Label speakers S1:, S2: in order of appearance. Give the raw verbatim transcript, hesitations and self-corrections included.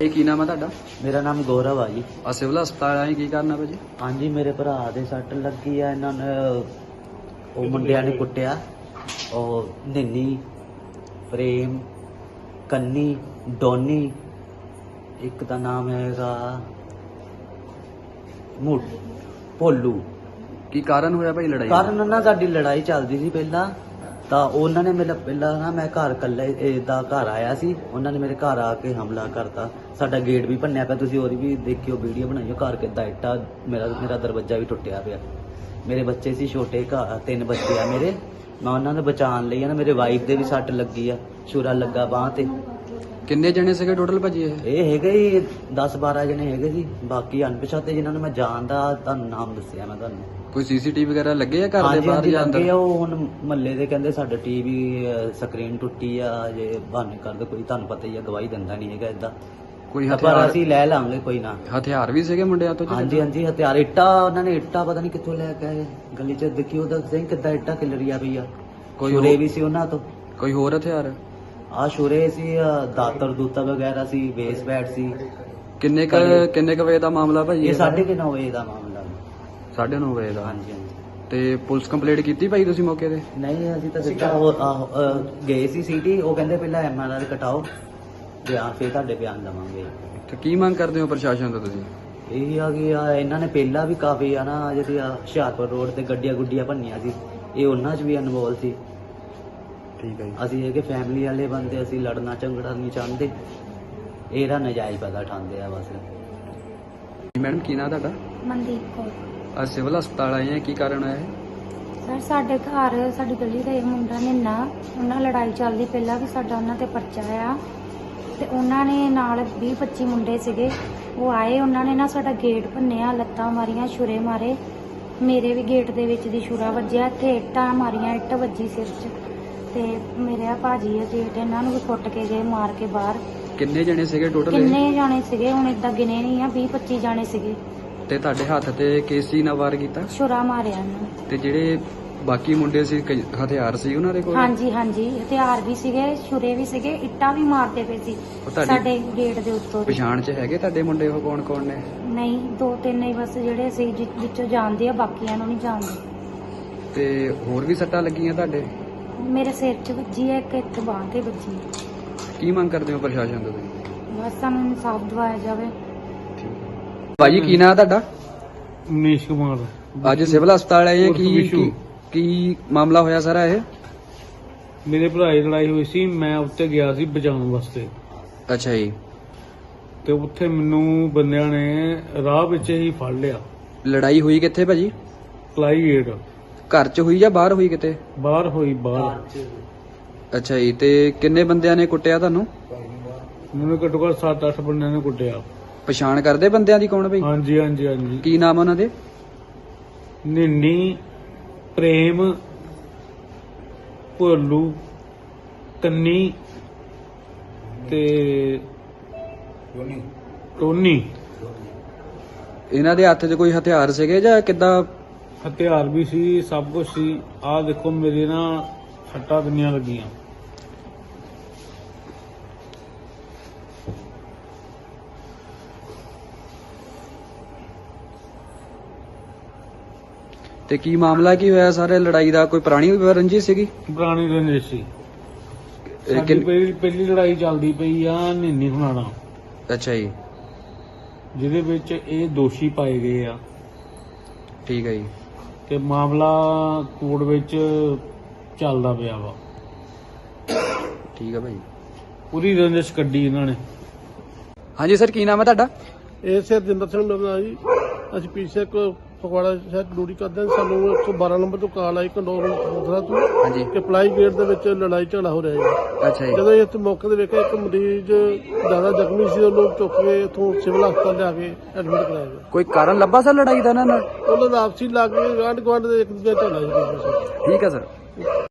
S1: ਇਹ ਕੀ ਨਾਮ ਹੈ ਤੁਹਾਡਾ?
S2: ਮੇਰਾ ਨਾਮ ਗੌਰਵ ਆ ਜੀ।
S1: ਆ ਸਿਵਲ ਹਸਪਤਾਲ ਆਏ ਕੀ ਕਰਨਾ ਭਾਜੀ?
S2: ਹਾਂਜੀ, ਮੇਰੇ ਭਰਾ ਦੇ ਸੱਟ ਲੱਗੀ ਆ। ਇਹਨਾਂ ਨੇ ਉਹ ਮੁੰਡਿਆਂ ਨੇ ਕੁੱਟਿਆ। ਉਹ ਨਿੰਨੀ, ਪ੍ਰੇਮ, ਕੰਨੀ, ਡੋਨੀ, ਇੱਕ ਦਾ ਨਾਮ ਹੈਗਾ ਮੁੱਢ ਭੋਲੂ।
S1: ਕੀ ਕਾਰਨ ਹੋਇਆ ਭਾਈ ਲੜਾਈ?
S2: ਕਾਰਨ ਨਾ ਸਾਡੀ ਲੜਾਈ ਚੱਲਦੀ ਸੀ ਪਹਿਲਾਂ ਤਾਂ ਉਹਨਾਂ ਨੇ ਮੇਰਾ ਪਹਿਲਾਂ ਨਾ ਮੈਂ ਘਰ ਇਕੱਲੇ ਦਾ ਘਰ ਆਇਆ ਸੀ। ਉਹਨਾਂ ਨੇ ਮੇਰੇ ਘਰ ਆ ਕੇ ਹਮਲਾ ਕਰਤਾ। ਸਾਡਾ ਗੇਟ ਵੀ ਭੰਨਿਆ ਪਿਆ, ਤੁਸੀਂ ਉਹਦੀ ਵੀ ਦੇਖਿਓ, ਵੀਡੀਓ ਬਣਾਈਓ। ਘਰ ਕਿੱਦਾਂ ਇੱਟਾਂ, ਮੇਰਾ ਮੇਰਾ ਦਰਵਾਜ਼ਾ ਵੀ ਟੁੱਟਿਆ ਪਿਆ। ਮੇਰੇ ਬੱਚੇ ਸੀ ਛੋਟੇ, ਘਰ ਤਿੰਨ ਬੱਚੇ ਆ ਮੇਰੇ। ਮੈਂ ਉਹਨਾਂ ਨੂੰ ਬਚਾਉਣ ਲਈ ਆ ਨਾ, ਮੇਰੇ ਵਾਈਫ ਦੇ ਵੀ ਸੱਟ ਲੱਗੀ ਆ, ਛੁਰਾ ਲੱਗਾ ਬਾਂਹ ਤੇ।
S1: ਕਿੰਨੇ ਜਣੇ ਸੀਗੇ ਟੋਟਲ ਭਾਜੀ ਇਹ?
S2: ਇਹ ਹੈਗੇ ਹੀ ਦਸ ਬਾਰਾਂ ਜਣੇ ਹੈਗੇ ਸੀ। ਬਾਕੀ ਅਣਪਛਾਤੇ ਜਿਨ੍ਹਾਂ ਨੂੰ ਮੈਂ ਜਾਣਦਾ, ਤੁਹਾਨੂੰ ਨਾਮ ਦੱਸਿਆ ਮੈਂ ਤੁਹਾਨੂੰ।
S1: ਕੋਈ ਸੀਸੀਟੀਵੀ ਵਗੈਰਾ ਲੱਗੇ ਆ ਘਰ ਦੇ
S2: ਹਾਂਜੀ
S1: ਬਾਹਰ
S2: ਹਾਂਜੀ
S1: ਜਾਂ ਅੰਦਰ?
S2: ਲੱਗੇ ਆ। ਉਹ ਹੁਣ ਮਹੱਲੇ ਦੇ ਕਹਿੰਦੇ ਸਾਡਾ ਟੀਵੀ ਸਕਰੀਨ ਟੁੱਟੀ ਆ, ਜੇ ਬਹਾਨੇ ਕਰਦੇ ਕੋਈ, ਤੁਹਾਨੂੰ ਪਤਾ ਹੀ ਆ, ਗਵਾਹੀ ਦਿੰਦਾ ਨਹੀਂ ਹੈਗਾ ਇਦਾਂ।
S1: ਕੋਈ
S2: ਪਰ
S1: ਹਥਿਆਰ
S2: ਅਸੀਂ ਲੈ ਲਾਂਗੇ, ਕੋਈ ਨਾ।
S1: ਹਥਿਆਰ ਵੀ ਸੀਗੇ ਮੁੰਡਿਆਂ ਤੋਂ?
S2: ਹਾਂਜੀ ਹਾਂਜੀ ਹਥਿਆਰ, ਇੱਟਾਂ ਉਹਨਾਂ ਨੇ ਇੱਟਾਂ ਪਤਾ ਨਹੀਂ ਕਿੱਥੋਂ ਲੈ ਕੇ ਆਏ। ਗਲੀ 'ਚ ਦੇਖੀ ਉਹਦਾ ਸਿੰਘ ਕਿੱਦਾਂ ਇੱਟਾਂ ਖਿਲਰੀਆਂ ਪਈ ਆ।
S1: ਕੋਈ
S2: ਛੁਰੇ
S1: ਹੋਰ-
S2: ਵੀ ਸੀ ਉਹਨਾਂ ਤੋਂ।
S1: ਕੋਈ ਹੋਰ ਹਥਿਆਰ?
S2: ਆ ਛੁਰੇ ਸੀ, ਆਹ ਦਾਤਰ ਦੂਤਾ ਵਗੈਰਾ ਸੀ, ਬੇਸ ਬੈਟ ਸੀ।
S1: ਕਿੰਨੇ ਕ ਕਿੰਨੇ ਕ ਵਜੇ ਦਾ ਮਾਮਲਾ ਭਾਜੀ?
S2: ਇਹ ਸਾਢੇ ਕੁ ਨੌ ਵਜੇ ਦਾ ਮਾਮਲਾ।
S1: ਸਾਢੇ ਨੌ ਵਜੇ ਦਾ।
S2: ਹਾਂਜੀ ਹਾਂਜੀ।
S1: ਤੇ ਪੁਲਿਸ ਕੰਪਲੇਂਟ ਕੀਤੀ ਭਾਈ ਤੁਸੀਂ ਮੌਕੇ ਤੇ?
S2: ਨਹੀਂ, ਅਸੀਂ ਤਾਂ ਸਿੱਧਾ ਉਹ ਆਹੋ, ਅਹ, ਗਏ ਸੀ ਸਿਟੀ। ਉਹ ਕਹਿੰਦੇ ਪਹਿਲਾਂ ਐਮ ਆਰ ਆਰ ਕਟਾਓ, ਬਿਆਨ ਫਿਰ ਤੁਹਾਡੇ ਬਿਆਨ ਲਵਾਂਗੇ।
S1: ਤੇ ਕੀ ਮੰਗ ਕਰਦੇ ਹੋ ਪ੍ਰਸ਼ਾਸਨ ਤੋਂ ਤੁਸੀਂ?
S2: ਇਹ ਆ ਕਿ ਆ ਇਹਨਾਂ ਨੇ ਪਹਿਲਾਂ ਵੀ ਕਾਫੀ ਆ ਨਾ, ਜਿਹੜੀ ਆ ਹੁਸ਼ਿਆਰਪੁਰ ਰੋਡ ਤੇ ਗੱਡੀਆਂ ਗੁੱਡੀਆਂ ਭੰਨੀਆਂ ਸੀ, ਇਹ ਉਹਨਾਂ 'ਚ ਵੀ ਇਨਵੋਲ ਸੀ।
S1: ਠੀਕ ਹੈ ਜੀ।
S2: ਅਸੀਂ ਇਹ ਕਿ ਫੈਮਿਲੀ ਵਾਲੇ ਬੰਦੇ, ਅਸੀਂ ਲੜਨਾ ਝਗੜਨਾ ਨਹੀਂ ਚਾਹੁੰਦੇ। ਇਹਦਾ ਨਜਾਇਜ਼ ਪਤਾ ਉਠਾਉਂਦੇ ਆ ਬਸ।
S1: ਮੈਡਮ ਕੀ ਨਾਂ ਤੁਹਾਡਾ?
S3: ਮਨਦੀਪ ਕੌਰ।
S1: ਅੱਜ ਸਿਵਲ ਹਸਪਤਾਲ ਆਏ ਆ, ਕੀ ਕਾਰਨ ਹੋਇਆ ਇਹ?
S3: ਸਰ ਸਾਡੇ ਘਰ, ਸਾਡੀ ਗਲੀ ਦਾ ਇੱਕ ਮੁੰਡਾ ਨਿੰਨਾ, ਉਹਨਾਂ ਲੜਾਈ ਚੱਲਦੀ ਪਹਿਲਾਂ ਵੀ, ਸਾਡਾ ਉਹਨਾਂ ਤੇ ਪਰਚਾ ਆ। ਤੇ ਉਹਨਾਂ ਨੇ ਨਾਲ ਵੀਹ ਪੱਚੀ ਮੁੰਡੇ ਸੀਗੇ, ਉਹ ਆਏ, ਉਹਨਾਂ ਨੇ ਨਾ ਸਾਡਾ ਗੇਟ ਭੰਨਿਆ, ਲੱਤਾਂ ਮਾਰੀਆਂ, ਛੁਰੇ ਮਾਰੇ। ਮੇਰੇ ਵੀ ਗੇਟ ਦੇ ਵਿੱਚ ਦੀ ਛੁਰਾ ਵੱਜਿਆ, ਇੱਥੇ ਇੱਟਾਂ ਮਾਰੀਆਂ, ਇੱਟ ਵੱਜੀ ਸਿਰ 'ਚ। ਤੇ ਮੇਰੇ ਆ ਭਾਜੀ ਆ ਜੇਠ, ਇਹਨਾਂ ਨੂੰ ਵੀ ਕੁੱਟ ਕੇ ਗਏ ਮਾਰ ਕੇ ਬਾਹਰ।
S1: ਕਿੰਨੇ ਜਣੇ ਸੀਗੇ ਟੋਟਲ?
S3: ਕਿੰਨੇ ਜਾਣੇ ਸੀਗੇ ਹੁਣ ਏਦਾਂ ਗਿਣੇ ਨਹੀਂ ਆ, ਵੀਹ ਪੱਚੀ ਜਾਣੇ ਸੀਗੇ।
S1: ਤੇ ਤੁਹਾਡੇ ਹੱਥ ਤੇ ਕੇਸੀ ਨਾਲ ਵਾਰ ਕੀਤਾ?
S3: ਛੁਰਾ ਮਾਰਿਆ ਇਹਨਾਂ।
S1: ਤੇ ਜਿਹੜੇ ਬਾਕੀ ਮੁੰਡੇ ਸੀ, ਕਈ ਹਥਿਆਰ ਸੀ ਉਹਨਾਂ ਦੇ ਕੋਲ?
S3: ਹਾਂਜੀ ਹਾਂਜੀ ਹਥਿਆਰ ਵੀ ਸੀਗੇ, ਛੁਰੇ ਵੀ ਸੀਗੇ, ਇੱਟਾਂ ਵੀ ਮਾਰਦੇ ਪਏ ਸੀ
S1: ਉਹ ਤੁਹਾਡੀ
S3: ਸਾਡੇ ਗੇਟ ਦੇ ਉੱਤੋਂ ਦੀ।
S1: ਪਛਾਣ 'ਚ ਹੈਗੇ ਤੁਹਾਡੇ ਮੁੰਡੇ ਉਹ ਕੌਣ ਕੌਣ ਨੇ?
S3: ਨਹੀਂ, ਦੋ ਤਿੰਨ ਹੀ ਬਸ ਜਿਹੜੇ ਸੀ, ਜਿ- ਵਿੱਚੋਂ ਜਾਣਦੇ ਆ, ਬਾਕੀਆਂ ਨੂੰ ਨਹੀਂ ਜਾਣਦੇ।
S1: ਤੇ ਹੋਰ ਵੀ ਸੱਟਾਂ ਲੱਗੀਆਂ ਤੁਹਾਡੇ?
S3: ਮੇਰੇ ਸਿਰ 'ਚ ਵੱਜੀ ਹੈ, ਇੱਕ ਇੱਥੇ ਬਾਂਹ ਤੇ ਵੱਜੀ ਹੈ।
S1: ਕੀ ਮੰਗ ਕਰਦੇ ਹੋ ਪ੍ਰਸ਼ਾਸਨ ਤੋਂ ਤੁਸੀਂ?
S3: ਬਸ ਸਾਨੂੰ ਇਨਸਾਫ ਦਿਵਾਇਆ ਜਾਵੇ।
S1: ਭਾਜੀ ਕੀ ਨਾਂ ਤੁਹਾਡਾ?
S4: ਮਨੀਸ਼ ਕੁਮਾਰ।
S1: ਅੱਜ ਸਿਵਲ ਹਸਪਤਾਲ ਆਏ ਆ,
S4: ਉਰਫ
S1: ਕੀ
S4: ਵਿਸ਼ੂ।
S1: ਕੀ- ਕੀ ਮਾਮਲਾ ਹੋਇਆ ਸਾਰਾ ਇਹ?
S4: ਮੇਰੇ ਭਰਾ ਦੀ ਲੜਾਈ ਹੋਈ ਸੀ, ਮੈਂ ਉੱਤੇ ਗਿਆ ਸੀ ਬਚਾਉਣ ਵਾਸਤੇ।
S1: ਅੱਛਾ ਜੀ।
S4: ਤੇ ਉੱਥੇ ਮੈਨੂੰ ਬੰਦਿਆਂ ਨੇ ਰਾਹ ਵਿੱਚ ਹੀ ਫੜ ਲਿਆ।
S1: ਲੜਾਈ ਹੋਈ ਕਿੱਥੇ ਭਾਜੀ?
S4: ਪਲਾਈ ਗੇਟ
S1: ਘਰ 'ਚ ਹੋਈ ਜਾਂ ਬਾਹਰ ਹੋਈ ਕਿਤੇ?
S4: ਬਾਹਰ ਹੋਈ, ਬਾਹਰ।
S1: ਅੱਛਾ ਜੀ। ਤੇ ਕਿੰਨੇ ਬੰਦਿਆਂ ਨੇ ਕੁੱਟਿਆ ਤੁਹਾਨੂੰ?
S4: ਮੈਨੂੰ ਘੱਟੋ ਘੱਟ ਸੱਤ ਅੱਠ ਬੰਦਿਆਂ ਨੇ ਕੁੱਟਿਆ।
S1: ਪਛਾਣ ਕਰਦੇ ਬੰਦਿਆਂ ਦੀ ਕੌਣ ਭਾਈ?
S4: ਹਾਂਜੀ ਹਾਂਜੀ ਹਾਂਜੀ।
S1: ਕੀ ਨਾਮ ਉਹਨਾਂ ਦੇ?
S4: ਨਿੰਨੀ, ਪ੍ਰੇਮ, ਭੋਲੂ, ਕੰਨੀ ਤੇ ਟੋਨੀ।
S1: ਇਹਨਾਂ ਦੇ ਹੱਥ 'ਚ ਕੋਈ ਹਥਿਆਰ ਸੀਗੇ ਜਾਂ ਕਿੱਦਾਂ?
S4: ਹਥਿਆਰ ਵੀ ਸੀ, ਸਭ ਕੁਝ ਸੀ। ਆਹ ਦੇਖੋ ਮੇਰੇ ਨਾ ਸੱਟਾਂ ਕਿੰਨੀਆਂ ਲੱਗੀਆਂ।
S1: ਤੇ ਕੀ ਮਾਮਲਾ ਕੀ ਹੋਇਆ ਸਾਰੇ ਲੜਾਈ ਦਾ? ਕੋਈ ਪੁਰਾਣੀ ਰੰਜਿਸ਼ ਸੀਗੀ?
S4: ਪੁਰਾਣੀ ਰੰਜਿਸ਼ ਸੀ।
S1: ਇਹ
S4: ਸਾਡੀ
S1: ਕਿੰਨ-
S4: ਪਹਿਲੀ ਪਹਿਲੀ ਲੜਾਈ ਚੱਲਦੀ ਪਈ ਆ ਨਿੰਨੀ ਹੁਣਾਂ ਨਾਲ,
S1: ਅੱਛਾ ਜੀ।
S4: ਜਿਹਦੇ ਵਿੱਚ ਇਹ ਦੋਸ਼ੀ ਪਾਏ ਗਏ ਆ।
S1: ਠੀਕ ਹੈ ਜੀ।
S4: ਤੇ ਮਾਮਲਾ ਕੋਰਟ ਵਿੱਚ ਚੱਲਦਾ ਪਿਆ ਵਾ।
S1: ਠੀਕ ਹੈ ਭਾਈ।
S4: ਪੂਰੀ ਰੰਜਿਸ਼ ਕੱਢੀ ਇਹਨਾਂ ਨੇ।
S1: ਹਾਂਜੀ ਸਰ, ਕੀ ਨਾਮ ਹੈ ਤੁਹਾਡਾ?
S5: ਇਹ ਸਰਜਿੰਦਰ ਸਿੰਘ ਮੇਰਾ ਨਾਂ ਜੀ। ਅਸੀਂ ਪੀਛੇ ਕੋ ਫਗਵਾੜਾ ਸ਼ਹਿਰ ਡਿਊਟੀ ਕਰਦੇ ਹਾਂ। ਸਾਨੂੰ ਇੱਕ ਸੌ ਬਾਰਾਂ ਨੰਬਰ ਤੋਂ ਕਾਲ ਆਈ ਕੰਡੋਰ ਕਪੂਰਥਲਾ ਤੋਂ
S1: ਹਾਂਜੀ।
S5: ਕਿ ਪਲਾਈ ਗੇਟ ਦੇ ਵਿੱਚ ਲੜਾਈ ਝਗੜਾ ਹੋ ਰਿਹਾ ਹੈ।
S1: ਅੱਛਾ ਜੀ।
S5: ਜਦੋਂ ਅਸੀਂ ਇੱਥੇ ਮੌਕੇ ਤੇ ਵੇਖਿਆ, ਇੱਕ ਮਰੀਜ਼ ਜ਼ਿਆਦਾ ਜ਼ਖਮੀ ਸੀ, ਉਹ ਲੋਕ ਚੁੱਕ ਕੇ ਇੱਥੋਂ ਸਿਵਲ ਹਸਪਤਾਲ ਲਿਆ ਕੇ ਐਡਮਿਟ ਕਰਾਇਆ ਗਿਆ।
S1: ਕੋਈ ਕਾਰਨ ਲੱਭਾ ਸਰ ਲੜਾਈ ਦਾ ਇਹਨਾਂ ਨਾਲ?
S5: ਉਹਨਾਂ ਦਾ ਆਪਸੀ ਲੱਗ ਕੇ ਗਾਂਢ ਗੁਆਂਢ ਦੇ ਇੱਕ ਦੂਜੇ ਝਗੜਾ ਸੀ।
S1: ਠੀਕ ਹੈ ਸਰ।